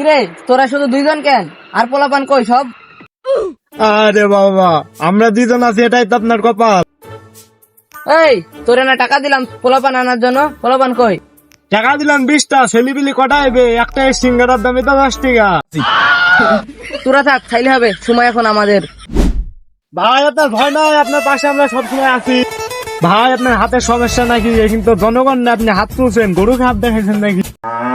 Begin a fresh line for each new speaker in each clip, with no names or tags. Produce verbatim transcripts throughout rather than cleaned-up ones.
কিরে তোরা শুধু দুইজন কেন, আর পোলাপান কই সব?
আরে বাবা, আমরা দুইজন আছি এটাই তো আপনার কপাল।
এই তোরে না টাকা দিলাম পোলাপান আনার জন্য, পোলাপান কই?
টাকা দিলাম বিশটা, ছেলিবিলি কটা আইবে? একটা সিঙ্গারার দামই তো দশ টাকা।
তোরা থাক, খাইলে হবে, সময় এখন আমাদের।
ভাই আপনার ভয় নাই, আপনার পাশে আমরা সবসময় আছি। ভাই আপনার হাতের সমস্যা নাকি? কিন্তু জনগণ না, আপনি হাত তুলছেন, গরুকে হাত দেখাইছেন নাকি?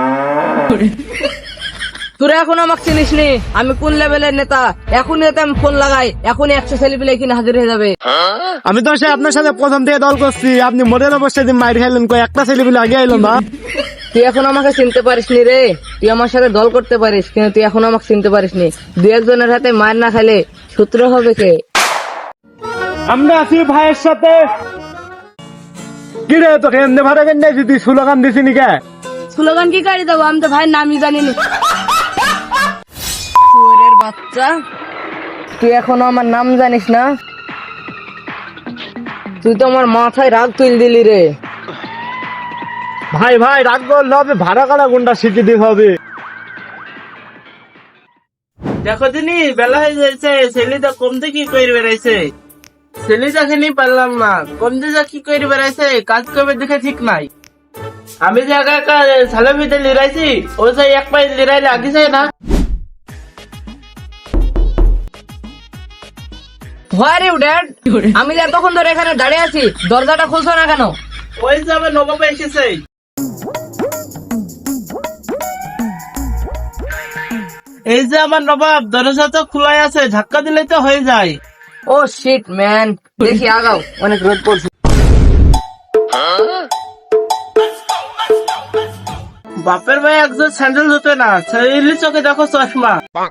তোরা এখন আমাকে চিনিস নি, আমি কোন লেভেলের নেতা। এখনই এতে আমি ফোন লাগাই, এখনই একশো সেলিব্রিটি এখানে হাজির হয়ে যাবে।
আমি তো সে আপনার সাথে প্রথম থেকে দল করছি, আপনি মনের অবস্থায় দিন মাইর খাইলেন, কই একটা ছেলেপিলে আগে আইলো না।
তুই এখন আমাকে চিনতে পারিস নি রে, তুই আমার সাথে দল করতে পারিস কিন্তু তুই এখন আমাকে চিনতে পারিস নি। দু একজনের হাতে মার না খাইলে সূত্র হবে কে?
আমরা আছি ভাইয়ের সাথে। কিরে তোকে এমনি ভাড়া কেন নাই, তুই স্লোগান দিছি নি কে?
স্লোগান কি কারি দেবো, আমি তো ভাই নামই জানি না। শুয়োরের বাচ্চা, তুই এখনো আমার নাম জানিস না? তুই তো আমার মাথায় রাগ তুল দিলি রে।
ভাই ভাই রাগ করলে হবে, ভাড়া কাটা গুন্ডা শিখে দিতে হবে।
দেখো দিনি বেলা হয়ে যাচ্ছে, ছেলেটা কমতে কি করে বেড়াইছে। ছেলেটাকে নিয়ে পারলাম না, কমতে যা কি করে বেড়াইছে, কাজ করবে দেখে ঠিক নাই। আমি যে একা একা সালামিতে লিরাইছি, ও যাই এক পায়ে লিরাইলে আগে যায় না।
Where you dad? আমি যে এতক্ষণ ধরে এখানে দাঁড়িয়ে আছি, দরজাটা খুলছো না কেন?
ওই যে আমার নবাব এসেছে। এই যে আমার নবাব, দরজা তো খোলাই আছে, ধাক্কা দিলে তো হয়ে যায়।
ও শিট ম্যান, দেখি আগাও, অনেক রোদ পড়ছে।
বাপের ভাই একজন স্যান্ডেল ধুতে না, ছেলে চোখে দেখো চশমা।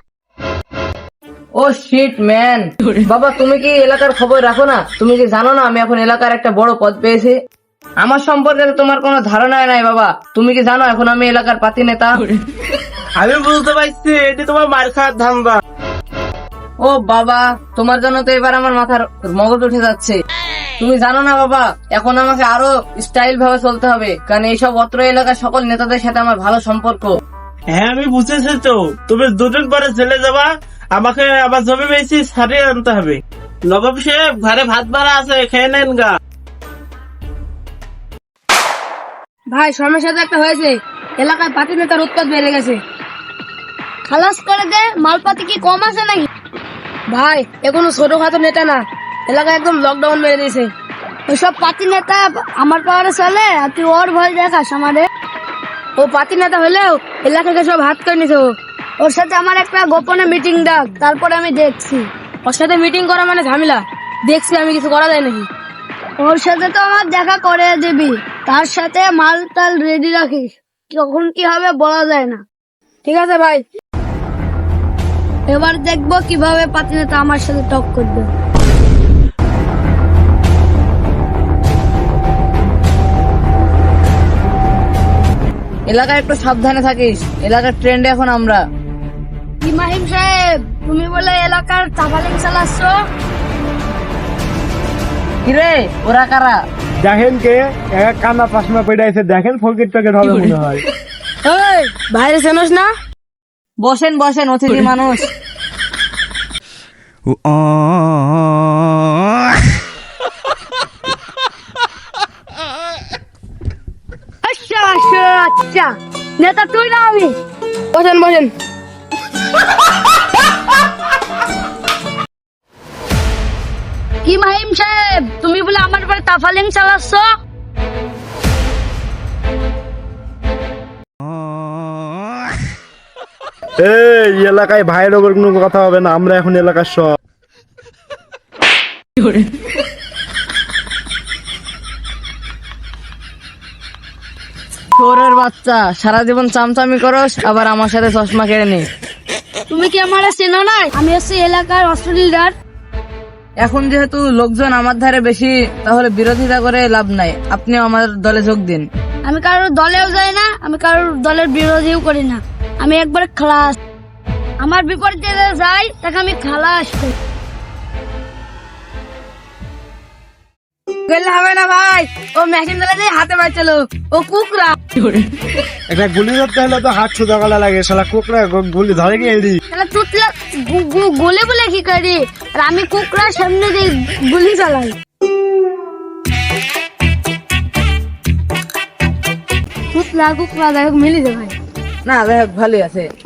ও শিট ম্যান, বাবা তুমি কি এলাকার খবর রাখো না? তুমি কি জানো না আমি এখন এলাকার একটা বড় পদ পেয়েছি? আমার সম্পর্কে তো তোমার কোনো ধারণা নাই বাবা। তুমি কি জানো এখন আমি এলাকার পাতি নেতা?
আমি বুঝতে পারছি, এটি তোমার মার খাওয়ার ধান্দা।
ও বাবা, তোমার জন্য তো এবার আমার মাথার মগজ উঠে যাচ্ছে। তুমি জানো না বাবা, এখন আমাকে আরো স্টাইল ভাবে চলতে হবে, কারণ এইসব অত্র এলাকার সকল নেতাদের সাথে আমার ভালো সম্পর্ক।
হ্যাঁ আমি বুঝেছি তো, তুমি দুদিন পরে চলে যাবা, আমাকে আবার জমি বেশি সারিয়ে আনতে হবে। নবাব সাহেব, ঘরে ভাত ভাড়া আছে, খেয়ে নেন গা।
ভাই সমস্যা তো একটা হয়েছে, এলাকায় পাতি নেতার উৎপাত বেড়ে গেছে। খালাস করে দে, মালপাতি কি কম আছে নাকি? ভাই এ কোনো ছোটখাটো নেতা না, এলাকায় একদম লকডাউন মেরে দিয়েছে। ওইসব পাতি নেতা আমার পাওয়ারে চলে, আর তুই ওর ভয় দেখাস আমাদের। ও পাতি নেতা হলেও এলাকাকে সব হাত করে নিছে। ও। ওর সাথে আমার একটা গোপনে মিটিং ডাক, তারপরে আমি দেখছি। ওর সাথে মিটিং করা মানে ঝামেলা, দেখছি আমি কিছু করা যায় নাকি। ওর সাথে তো আমার দেখা করে দিবি, তার সাথে মাল টাল রেডি রাখিস, কখন কি হবে বলা যায় না। ঠিক আছে ভাই, এবার দেখবো কিভাবে পাতি নেতা আমার সাথে টক করবে।
এলাকায় একটু সাবধানে থাকিস, এলাকার ট্রেন্ডে এখন আমরা।
ইমাহিম সাহেব, তুমি বলে এলাকার তাবালিং চালাচ্ছ?
কিরে ওরা কারা?
দেখেন কে এক কান্না পাশমা পেটাইছে, দেখেন ফকির প্যাকেট হবে মনে হয়।
এই বাইরে চেনস না?
বসেন বসেন, অতিথি মানুষ।
আচ্ছা আচ্ছা আচ্ছা, নেতা তুই না আমি? বসেন বসেন। কি মাহিম সাহেব, তুমি বলে আমার উপরে তাফালিং চালাচ্ছ?
এই এলাকায় ভাইয়ের ওপর কোনো কথা হবে না, আমরা এখন এলাকার সব।
চোরের বাচ্চা, সারা জীবন চামচামি করস, আবার আমার সাথে চশমা কেড়ে নে।
তুমি কি আমার চেনো না? আমি হচ্ছি এলাকার অস্ত্র লিডার।
এখন যেহেতু লোকজন আমার ধারে বেশি, তাহলে বিরোধিতা করে লাভ নাই, আপনিও আমার দলে যোগ দিন।
আমি কারোর দলেও যাই না, আমি কারোর দলের বিরোধীও করি না, আমি একবার খালাস। আমার বিপরীতে যে যাই তাকে আমি খালাস করি। গেলে হবে না ভাই, ও মেশিন চালাতে হাতে বাঁচলো, ও কুকরা।
একটা গুলি ধরতে হলে তো হাত সোজা গলা লাগে, শালা কুকরা গ- গুলি ধরে কি এড়ি?
তাহলে চুটলা গু- গু- গুলি বলে কি করি, আর আমি কুকরা সামনে দিয়ে গুলি চালাই। কুকরা কুকরা যাই হোক মিলি যায় ভাই।
না যাই হোক ভালোই আছে।